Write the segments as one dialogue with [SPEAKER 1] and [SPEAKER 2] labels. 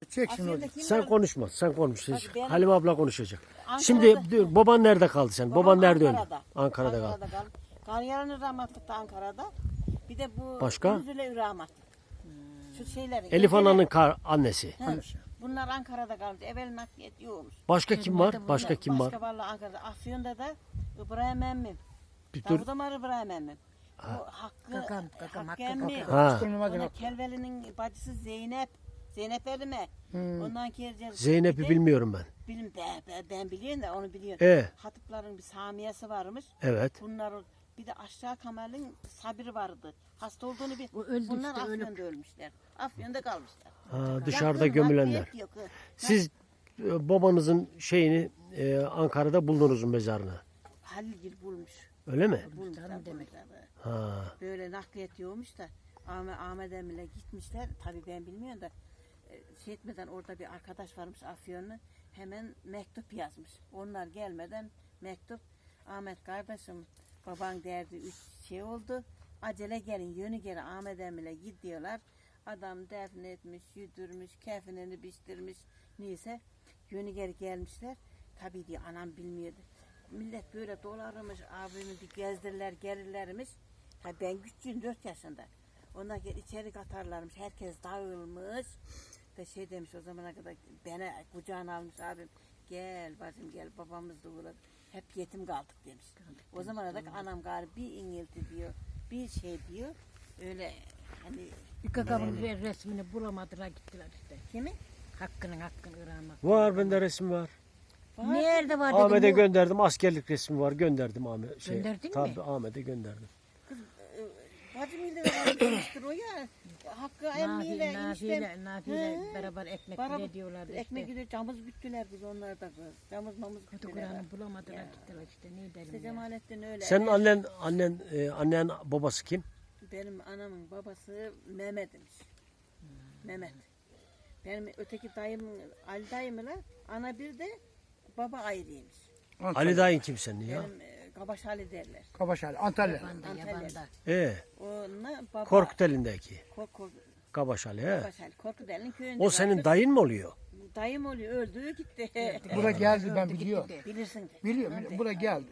[SPEAKER 1] Çek şunu.
[SPEAKER 2] Afyon'da kim
[SPEAKER 3] Sen
[SPEAKER 2] var?
[SPEAKER 3] konuşma. Sen konuş.
[SPEAKER 2] Bak ben-
[SPEAKER 3] Halime abla konuşacak.
[SPEAKER 2] Ankara'da-
[SPEAKER 3] Şimdi dur, baban nerede kaldı sen? Baban nerede öldü? Ankara'da kaldı.
[SPEAKER 2] kaldı. Karyalanır rahmatlık da Ankara'da. Bir de bu
[SPEAKER 3] Başka?
[SPEAKER 2] Üzüle rahmatlık. Şu şeyleri.
[SPEAKER 3] Elif Ana'nın annesi.
[SPEAKER 2] He, bunlar Ankara'da kaldı. Evvel nakliyet yokmuş.
[SPEAKER 3] Başka kim var? Başka kim var?
[SPEAKER 2] Başka vallahi Ankara'da. Afyon'da da İbrahim emmim.
[SPEAKER 3] Bir dur.
[SPEAKER 2] Davut Ömer İbrahim emmim. Bu Hakkı,
[SPEAKER 1] Kakam,
[SPEAKER 2] Hakkı emmi.
[SPEAKER 3] Ha.
[SPEAKER 2] Ona Kelveli'nin bacısı Zeynep. Zeynep Erime. Ondan kercer.
[SPEAKER 3] Zeynep'i bilmiyorum ben.
[SPEAKER 2] Ben biliyorum da onu biliyorum. Hatıpların bir Samiye'si varmış.
[SPEAKER 3] Evet.
[SPEAKER 2] Bunlar bir de aşağı Kamal'in Sabri vardı. Hasta olduğunu bir.
[SPEAKER 1] öldü
[SPEAKER 2] Bunlar
[SPEAKER 1] işte,
[SPEAKER 2] Afyon'da ölmüşler. Afyon'da kalmışlar.
[SPEAKER 3] Ha, dışarıda
[SPEAKER 2] Yakın,
[SPEAKER 3] gömülenler.
[SPEAKER 2] nakliyet yok.
[SPEAKER 3] Siz babanızın şeyini Ankara'da buldunuz mezarını.
[SPEAKER 2] Halilgil bulmuş.
[SPEAKER 3] Öyle mi?
[SPEAKER 2] Bulmuşlar
[SPEAKER 1] demek.
[SPEAKER 3] Ha.
[SPEAKER 2] Böyle nakliyet yokmuş da Ahmet Emir'le gitmişler. Tabii ben bilmiyorum da şey etmeden orada bir arkadaş varmış Afyonlu. Hemen mektup yazmış. Onlar gelmeden mektup. Ahmet kardeşim baban derdi 3 şey oldu. Acele gelin yönü geri Ahmet Emir'le gidiyorlar. Adam defnetmiş, yüdürmüş, kefenini biçtirmiş. Neyse yönü geri gelmişler. Tabii diye anam bilmiyordu. Millet böyle dolarmış, abimi bir gezdirirler, gelirlermiş. Ha ben küçüğüm 4 yaşında. Onlar gel içeri katarlarmış, herkes dağılmış. Ve şey demiş o zamana kadar beni kucağına almış abim. Gel bacım gel babamız da uğradı. Hep yetim kaldık demiş. O zamana kadar anam galiba bir ingilti diyor, bir şey diyor. Öyle hani
[SPEAKER 1] Bir kakamın resmini bulamadılar gittiler işte.
[SPEAKER 2] kimi?
[SPEAKER 1] Hakkının ıramak.
[SPEAKER 3] Var bende resim var.
[SPEAKER 1] Nerede var
[SPEAKER 3] Ahmet'e
[SPEAKER 1] dedim.
[SPEAKER 3] gönderdim. Askerlik resmi var. Gönderdim Ahmet.
[SPEAKER 1] Gönderdin mi?
[SPEAKER 3] Tabii Ahmet'e gönderdim.
[SPEAKER 2] Bacım ile beraber o ya. Hakkı emmiyle eniştem.
[SPEAKER 1] Nafiyle beraber ekmek bile diyorlardı işte.
[SPEAKER 2] Ekmek gidiyor, camız güttüler biz onlar da kız. Camız mamız güttüler.
[SPEAKER 1] Kur'an'ı bulamadılar gittiler işte ne derim
[SPEAKER 2] İşte
[SPEAKER 1] ya.
[SPEAKER 2] Cemalettin öyle.
[SPEAKER 3] Senin annen babası kim?
[SPEAKER 2] Benim anamın babası Mehmet'miş. Mehmet. Benim öteki dayım Ali dayımla ana bir de baba ayrıymış.
[SPEAKER 3] Ali dayın kim senin ya?
[SPEAKER 2] Benim Kabaş Ali derler.
[SPEAKER 1] Kabaş Ali, Antalya.
[SPEAKER 2] Antalya.
[SPEAKER 1] Yabanda.
[SPEAKER 2] Onunla baba.
[SPEAKER 3] Korkuteli'ndeki.
[SPEAKER 2] Kork
[SPEAKER 3] Kabaş Ali he.
[SPEAKER 2] Kabaş Ali. Korkuteli'nin köyünde.
[SPEAKER 3] O senin
[SPEAKER 2] vardı.
[SPEAKER 3] dayın mı oluyor?
[SPEAKER 2] Dayım oluyor öldü gitti.
[SPEAKER 4] Bura geldi ben biliyorum.
[SPEAKER 2] Bilirsin de.
[SPEAKER 4] Biliyorum. Bura geldi.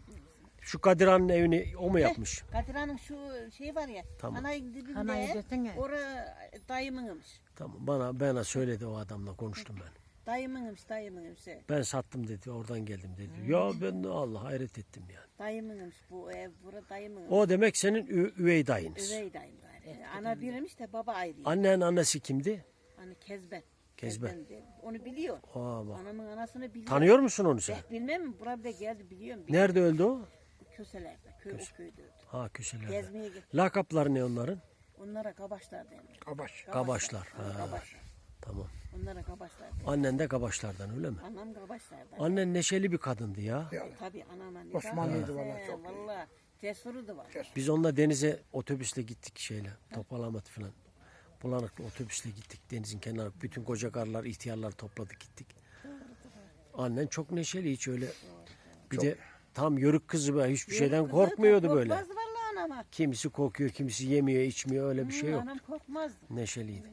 [SPEAKER 3] Şu Kadir Han'ın evini o mu yapmış?
[SPEAKER 2] Kadir Han'ın şu şey var ya.
[SPEAKER 3] Tamam.
[SPEAKER 2] Anayın dibinde.
[SPEAKER 1] Anayı desene.
[SPEAKER 2] Ora dayımınmış.
[SPEAKER 3] Tamam bana söyledi o adamla konuştum ben.
[SPEAKER 2] Dayımınmış.
[SPEAKER 3] Ben sattım dedi oradan geldim dedi. Ya ben de Allah hayret ettim yani.
[SPEAKER 2] Dayımınmış bu ev. Bura dayımınmış.
[SPEAKER 3] O demek senin üvey dayınız.
[SPEAKER 2] Üvey dayım galiba. Ana biriymiş de baba ayrı.
[SPEAKER 3] Annen annesi kimdi?
[SPEAKER 2] Hani Kezben.
[SPEAKER 3] Kezben.
[SPEAKER 2] diye. Onu biliyor.
[SPEAKER 3] Aa, bak.
[SPEAKER 2] Anamın anasını biliyor.
[SPEAKER 3] Tanıyor musun onu sen?
[SPEAKER 2] Bilmem mi? Buraya bir de geldi biliyorum.
[SPEAKER 3] Nerede öldü o?
[SPEAKER 2] Köselerde. O köyde öldü.
[SPEAKER 3] Ha köşelerde.
[SPEAKER 2] Gezmeye gitti.
[SPEAKER 3] Lakapları ne onların?
[SPEAKER 2] Onlara kabaşlar denir.
[SPEAKER 4] Kabaş.
[SPEAKER 3] Kabaşlar. Ha,
[SPEAKER 2] Kabaşlar.
[SPEAKER 3] tamam.
[SPEAKER 2] Onlara kabaşlar denir.
[SPEAKER 3] Annen de Kabaşlardan öyle mi?
[SPEAKER 2] Anam kabaşlardan.
[SPEAKER 3] Annen neşeli bir kadındı ya.
[SPEAKER 2] Tabii anam anne.
[SPEAKER 4] Osmanlıydı vallahi, çok iyi.
[SPEAKER 2] Valla. Cesuru da var.
[SPEAKER 3] Biz onunla denize otobüsle gittik şeyle. Topalamat falan. Bulanıklı otobüsle gittik denizin kenarı. Bütün koca karılar, ihtiyarlar topladık gittik. Annen çok neşeli hiç öyle. Bir de tam yörük kızı böyle hiçbir şeyden korkmuyordu böyle.
[SPEAKER 2] Korkmaz vallahi anama.
[SPEAKER 3] Kimisi korkuyor, kimisi yemiyor, içmiyor öyle bir şey yok.
[SPEAKER 2] Anam korkmazdı.
[SPEAKER 3] Neşeliydi.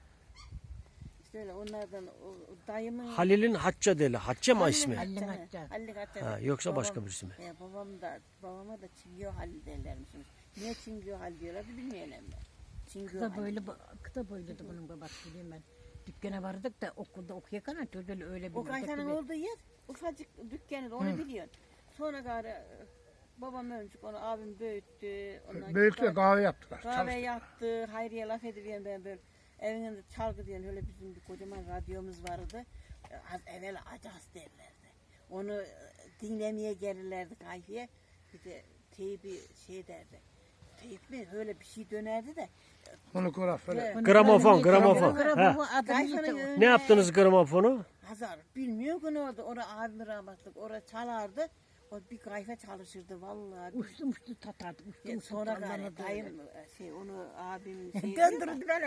[SPEAKER 2] İşte öyle onlardan o dayımın...
[SPEAKER 3] Halil'in Hacca deli. Hacca mı ismi?
[SPEAKER 1] Halil Hacca.
[SPEAKER 2] Halil Hacca.
[SPEAKER 3] Ha, yoksa başka birisi mi?
[SPEAKER 2] Babama da Çingio Halil derlermiş. Niye Çingio Halil diyorlar bilmiyorum ben. Çingio
[SPEAKER 1] Kısa boyluydu bunun babası bileyim ben. Dükkana vardık da okulda okuyakana çocuğu öyle bir
[SPEAKER 2] O kaytanın olduğu yer ufacık dükkanı onu biliyorsun. Sonra gari babam ölmüş onu abim büyüttü.
[SPEAKER 4] Büyükle kahve yaptılar.
[SPEAKER 2] Kahve yaptı. Hayriye laf ediyorum ben böyle. Evinde çalgı diyen öyle bizim bir kocaman radyomuz vardı. Az evvel acas derlerdi. Onu dinlemeye gelirlerdi kahveye. Bir de teybi şey derdi. Teyip mi? Öyle bir şey dönerdi de.
[SPEAKER 4] Fonograf öyle.
[SPEAKER 3] Gramofon. Ha.
[SPEAKER 2] Kayfanın
[SPEAKER 3] Ne yaptınız gramofonu?
[SPEAKER 2] Hazar bilmiyor ki ne oldu. Orada abim rahmetlik. Orada çalardı. O bir kayfa çalışırdı vallahi.
[SPEAKER 1] Uçtu tatardı.
[SPEAKER 2] Sonra gari dayım onu abim
[SPEAKER 1] Döndürdü beni.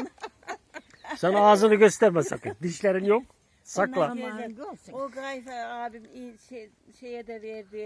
[SPEAKER 3] Sen ağzını gösterme sakın. Dişlerin yok. Sakla.
[SPEAKER 2] O kayfa abim şeye de verdi.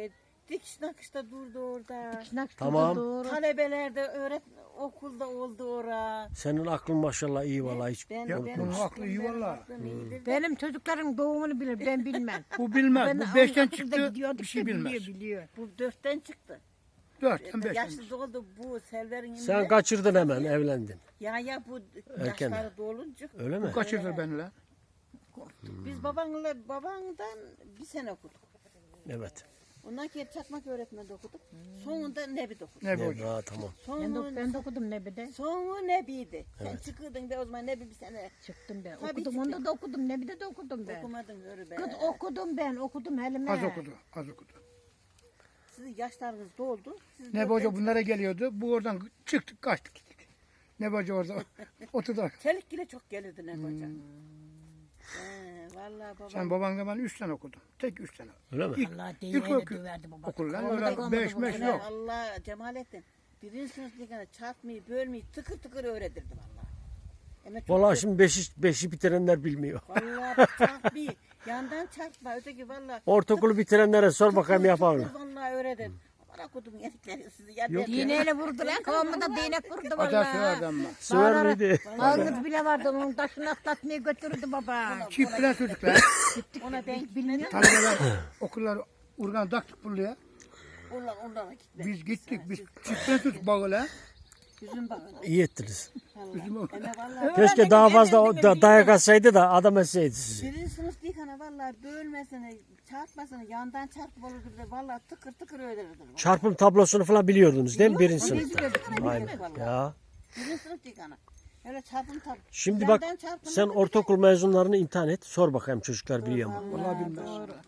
[SPEAKER 2] dikiş nakışta durdu orada.
[SPEAKER 3] Tamam.
[SPEAKER 1] Doğru.
[SPEAKER 2] Talebeler de okulda oldu ora.
[SPEAKER 3] Senin aklın maşallah iyi vallahi hiç.
[SPEAKER 4] Ya, bunun aklı iyi vallahi.
[SPEAKER 1] Benim çocuklarım doğumunu bilir, ben bilmem.
[SPEAKER 4] Bu bilmez.
[SPEAKER 1] Ben
[SPEAKER 4] Bu 5'ten
[SPEAKER 1] okulda
[SPEAKER 4] çıktı
[SPEAKER 1] gidiyorduk
[SPEAKER 4] bir şey
[SPEAKER 1] da
[SPEAKER 4] bilmez.
[SPEAKER 1] biliyor.
[SPEAKER 2] Bu 4'ten çıktı.
[SPEAKER 4] 4'ten 5'ten.
[SPEAKER 2] Yaşlı doldu bu Selver'in
[SPEAKER 3] Sen
[SPEAKER 2] imle.
[SPEAKER 3] kaçırdın hemen evlendin.
[SPEAKER 2] Ya bu
[SPEAKER 3] Erken.
[SPEAKER 2] yaşları dolunca.
[SPEAKER 3] Öyle mi?
[SPEAKER 4] Bu kaçırdı beni lan.
[SPEAKER 2] Biz babandan bir sene okuduk.
[SPEAKER 3] Evet.
[SPEAKER 2] Ondan sonra çakmak öğretmende okuduk. Sonunda Nebi'de okuduk.
[SPEAKER 4] Ne bu
[SPEAKER 3] Evet,
[SPEAKER 4] hocam?
[SPEAKER 3] ha, tamam.
[SPEAKER 1] Ben de okudum Nebi'de.
[SPEAKER 2] Sonu Nebi'ydi. Sen çıkırdın be o zaman Nebi bir sene.
[SPEAKER 1] Çıktım ben.
[SPEAKER 2] Tabii
[SPEAKER 1] Okudum, onda da okudum. Nebi'de de okudum ben.
[SPEAKER 2] Okumadın yürü be.
[SPEAKER 1] Kız okudum ben, okudum helime.
[SPEAKER 4] Az okudu. Az okudu.
[SPEAKER 2] Sizin yaşlarınız doldu. Siz
[SPEAKER 4] Ne bu hoca bunlara geliyordu. Bu oradan çıktık kaçtık gittik. Ne bu hoca orada oturdu.
[SPEAKER 2] Çelik bile çok gelirdi ne hoca. Vallahi babam.
[SPEAKER 4] Sen babanla ben 3 sene okudum. Tek 3 sene.
[SPEAKER 3] Öyle mi?
[SPEAKER 1] Allah değil
[SPEAKER 4] İlk
[SPEAKER 1] öyle döverdi baba.
[SPEAKER 4] okul lan
[SPEAKER 1] Orada
[SPEAKER 4] öyle
[SPEAKER 1] kalmadı
[SPEAKER 4] 5
[SPEAKER 1] bu
[SPEAKER 4] 5
[SPEAKER 1] kadar.
[SPEAKER 4] yok.
[SPEAKER 2] Allah Cemalettin. Birinci sınıftayken çarpmayı, bölmeyi tıkır tıkır öğretirdi vallahi. Ama çok
[SPEAKER 3] Vallahi şimdi beşi bitirenler bilmiyor.
[SPEAKER 2] vallahi bak çarpmayı yandan çarpma öteki vallahi.
[SPEAKER 3] Ortaokulu bitirenlere sor bakayım yapar mı?
[SPEAKER 2] Vallahi öğretin. Bana kodum yedikleri sizi ya.
[SPEAKER 3] Yok
[SPEAKER 1] Dineyle vurdular, kafamda değnek vurdu
[SPEAKER 4] Acar
[SPEAKER 1] valla.
[SPEAKER 4] söylerdi ama.
[SPEAKER 3] Söver miydi?
[SPEAKER 1] Ağız bile vardı, onun taşını atlatmaya götürdü baba.
[SPEAKER 4] Çiftler çocuklar.
[SPEAKER 2] Ona denk bilmiyorum.
[SPEAKER 4] Talebeler okullar urgan taktık buraya.
[SPEAKER 2] Onlara gitme.
[SPEAKER 4] Biz gittik. Biz çiftler çocuk bağla.
[SPEAKER 2] Yüzün bağına.
[SPEAKER 3] İyi ettiniz.
[SPEAKER 4] Bizim o-
[SPEAKER 2] Ama vallahi
[SPEAKER 3] Keşke daha fazla dayak atsaydı da adam etseydi sizi.
[SPEAKER 2] birinci sınıf değil hani vallahi bölmesini, çarpmasını yandan çarpıp olurdu bize vallahi tıkır tıkır öğrenirdi.
[SPEAKER 3] Çarpım tablosunu falan biliyordunuz değil mi birinci
[SPEAKER 2] Onu
[SPEAKER 3] sınıfta?
[SPEAKER 2] biliyorduk,
[SPEAKER 3] Aynen.
[SPEAKER 2] vallahi.
[SPEAKER 3] Ya.
[SPEAKER 2] Birinci sınıf değil hani. Öyle çarpım tabi.
[SPEAKER 3] Şimdi bak sen ortaokul mezunlarını imtihan et. Sor bakayım çocuklar biliyor mu?
[SPEAKER 4] Vallahi bilmez.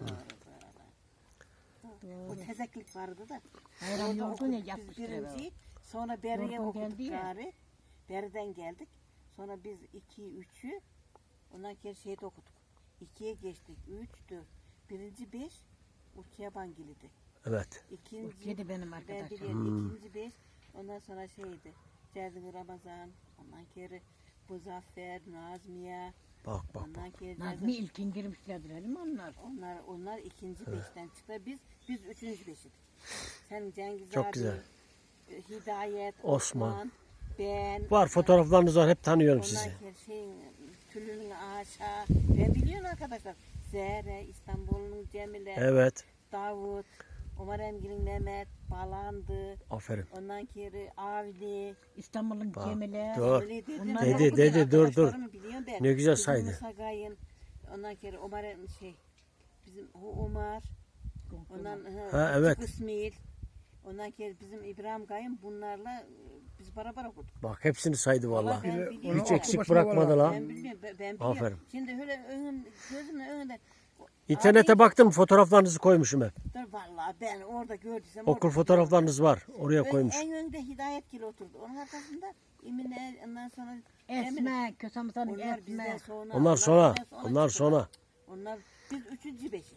[SPEAKER 2] O tezeklik vardı da.
[SPEAKER 1] Hayran
[SPEAKER 2] Orada
[SPEAKER 1] yoktu ne
[SPEAKER 2] okuduk biz
[SPEAKER 1] yapmışlar.
[SPEAKER 2] birinciyi. Sonra Beri'ye
[SPEAKER 1] Yorgun
[SPEAKER 2] okuduk
[SPEAKER 1] geldi ya.
[SPEAKER 2] gari. Beri'den geldik. Sonra biz 2'yi 3'ü ondan sonra şeyde okuduk. 2'ye geçtik. 3, 4. Birinci 5 Urkiye Bangili'di.
[SPEAKER 3] Evet.
[SPEAKER 2] İkinci
[SPEAKER 1] Urkiye de benim
[SPEAKER 2] ben
[SPEAKER 1] arkadaşım.
[SPEAKER 2] biliyorum. İkinci 5 ondan sonra şeydi. Cerdin Ramazan. Ondan sonra Muzaffer, Nazmiye.
[SPEAKER 3] Bak bak.
[SPEAKER 2] Ondan sonra
[SPEAKER 1] Nazmi ilkin girmişlerdir değil mi onlar?
[SPEAKER 2] onlar ikinci 5'ten çıktı. Biz üçüncü 5'idik. Sen Cengiz
[SPEAKER 3] Çok
[SPEAKER 2] abi,
[SPEAKER 3] güzel.
[SPEAKER 2] Hidayet,
[SPEAKER 3] Osman.
[SPEAKER 2] Osman, ben.
[SPEAKER 3] Var fotoğraflarınız var hep tanıyorum
[SPEAKER 2] Ondan
[SPEAKER 3] sizi.
[SPEAKER 2] sonra Tülünün Aşa. Ben biliyorum arkadaşlar. Zehre, İstanbul'un Cemile,
[SPEAKER 3] Evet.
[SPEAKER 2] Davut, Ömer Emgil'in Mehmet, Balandı.
[SPEAKER 3] Aferin.
[SPEAKER 2] Ondan sonra Avni.
[SPEAKER 1] İstanbul'un
[SPEAKER 3] Bak,
[SPEAKER 1] Cemile.
[SPEAKER 3] dur.
[SPEAKER 2] Öyle dedim.
[SPEAKER 1] Onlar
[SPEAKER 2] Ben
[SPEAKER 3] Dedi,
[SPEAKER 2] okudum,
[SPEAKER 3] dedi, dur, dur.
[SPEAKER 2] arkadaşlarımı biliyorum ben.
[SPEAKER 3] Ne güzel
[SPEAKER 2] Bizim
[SPEAKER 3] saydı.
[SPEAKER 2] Musa Gayın, ondan sonra Ömer bizim o Ömer. Ondan
[SPEAKER 3] Ha, evet.
[SPEAKER 2] İsmail. Ondan sonra bizim İbrahim Gayın bunlarla biz beraber okuduk.
[SPEAKER 3] Bak hepsini saydı vallahi.
[SPEAKER 2] Ben
[SPEAKER 4] Bile-
[SPEAKER 2] biliyorum.
[SPEAKER 3] Hiç
[SPEAKER 4] Onu
[SPEAKER 3] eksik
[SPEAKER 4] aklı başına
[SPEAKER 3] bırakmadı
[SPEAKER 4] var.
[SPEAKER 3] la.
[SPEAKER 2] Ben bilmiyorum. Ben biliyorum.
[SPEAKER 3] Aferin.
[SPEAKER 2] Şimdi öyle gözümün önünde.
[SPEAKER 3] İnternete baktım fotoğraflarınızı koymuşum hep.
[SPEAKER 2] Dur vallahi ben orada gördüysem.
[SPEAKER 3] Okul
[SPEAKER 2] orada-
[SPEAKER 3] fotoğraflarınız var. Oraya koymuş.
[SPEAKER 2] En önde Hidayet Gil oturdu. Onun arkasında Emine ondan sonra
[SPEAKER 1] Esme, Kösamız'ın
[SPEAKER 2] Onlar bizden
[SPEAKER 1] Esme.
[SPEAKER 2] sonra.
[SPEAKER 3] Onlar sonra.
[SPEAKER 2] bizden
[SPEAKER 3] Onlar
[SPEAKER 2] çıktılar.
[SPEAKER 3] sonra.
[SPEAKER 2] Onlar biz üçüncü beşiz.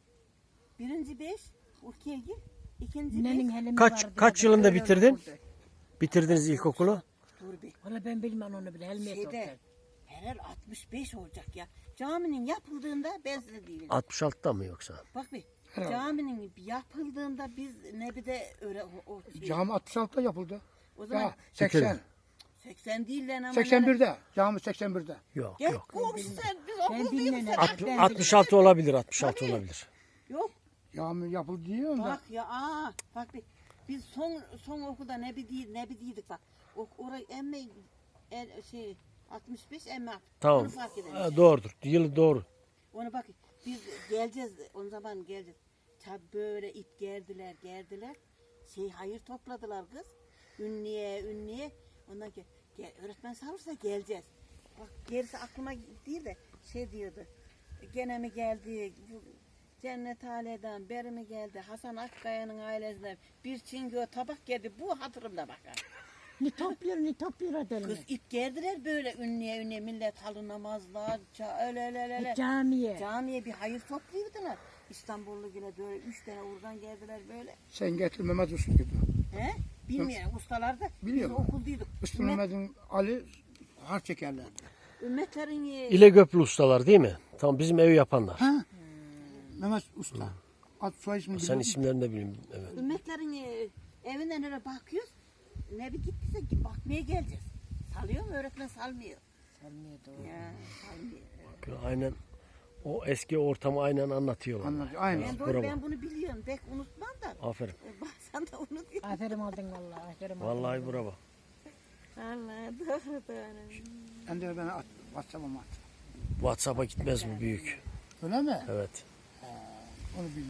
[SPEAKER 2] Birinci 5 Urkiye Gil. İkinci 5
[SPEAKER 1] Nenin helimi
[SPEAKER 3] Kaç-
[SPEAKER 1] vardı.
[SPEAKER 3] kaç yılında bitirdin? Bitirdiniz ilkokulu.
[SPEAKER 2] dur bir.
[SPEAKER 1] Valla ben bilmem onu bile. Helmiye
[SPEAKER 2] Şeyde
[SPEAKER 1] sorsan.
[SPEAKER 2] herhal 65 olacak ya. Caminin yapıldığında ben size diyeyim.
[SPEAKER 3] 66'da mı yoksa?
[SPEAKER 2] Bak bir.
[SPEAKER 4] Herhalde.
[SPEAKER 2] Caminin yapıldığında biz Nebi'de öyle o şey.
[SPEAKER 4] Cami 66'da yapıldı.
[SPEAKER 2] O zaman
[SPEAKER 4] Ya 80.
[SPEAKER 2] 80 değil lan ama.
[SPEAKER 4] 81'de. Cami 81'de.
[SPEAKER 3] Yok
[SPEAKER 2] Gel
[SPEAKER 3] yok.
[SPEAKER 2] komşu sen biz
[SPEAKER 1] Ben
[SPEAKER 2] okul
[SPEAKER 1] bilmiyorum.
[SPEAKER 2] değiliz.
[SPEAKER 1] Ben
[SPEAKER 3] 66 olabilir. 66 olabilir.
[SPEAKER 2] Yok.
[SPEAKER 4] Cami yapıldı diyorum da.
[SPEAKER 2] Bak ya bak bir. Biz son okulda Nebi değildik bak. Orayı emme şey 65 emme.
[SPEAKER 3] Tamam.
[SPEAKER 2] Onu fark edelim.
[SPEAKER 3] Doğrudur. Yılı doğru.
[SPEAKER 2] Onu bak biz geleceğiz o zaman geleceğiz. Tabi böyle ip gerdiler. Hayır topladılar kız. Ünlüye. Ondan ki öğretmen sağırsa geleceğiz. Bak gerisi aklıma değil de şey diyordu. Gene mi geldi? Bu Cennet Ali'den beri mi geldi? Hasan Akkaya'nın ailesinden bir çingö tabak geldi. Bu hatırımda bakar.
[SPEAKER 1] Ni topluyor edelim.
[SPEAKER 2] Kız ip gerdiler böyle ünlüye millet halı namazlar. Öyle.
[SPEAKER 1] Camiye.
[SPEAKER 2] Camiye bir hayır topluyordular. İstanbullu yine böyle 3 tane oradan geldiler böyle.
[SPEAKER 4] Sen getir Mehmet Usta gibi.
[SPEAKER 2] He? Bilmiyorum ustalar da
[SPEAKER 4] Biliyorum.
[SPEAKER 2] biz okuldaydık.
[SPEAKER 4] Usta Mehmet'in Ali harç çekerlerdi.
[SPEAKER 2] Ümmetlerin
[SPEAKER 3] İlegöplü ustalar değil mi? Tamam bizim evi yapanlar.
[SPEAKER 4] Ha? Mehmet Usta. Ad soy ismini
[SPEAKER 3] Sen
[SPEAKER 4] biliyor
[SPEAKER 3] isimlerini de bileyim. Evet.
[SPEAKER 2] Ümmetlerin evinden öyle bakıyoruz. Ne bir gittiyse ki bakmaya geleceğiz. Salıyor mu? Öğretmen salmıyor.
[SPEAKER 1] Salmıyor doğru.
[SPEAKER 2] Ya salmıyor.
[SPEAKER 3] Aynen o eski ortamı aynen anlatıyorlar.
[SPEAKER 4] Anlatıyor. Aynen.
[SPEAKER 2] Ben,
[SPEAKER 3] bravo.
[SPEAKER 2] ben bunu biliyorum. Pek unutmam da.
[SPEAKER 3] Aferin.
[SPEAKER 2] Bazen de unutuyorum.
[SPEAKER 1] Aferin oldun vallahi. Aferin oldun.
[SPEAKER 3] Vallahi bravo.
[SPEAKER 2] Allah doğru doğru.
[SPEAKER 4] Ben de ben at. WhatsApp'a at.
[SPEAKER 3] WhatsApp'a gitmez mi büyük?
[SPEAKER 4] Öyle mi?
[SPEAKER 3] Evet.
[SPEAKER 4] Onu bilmiyorum.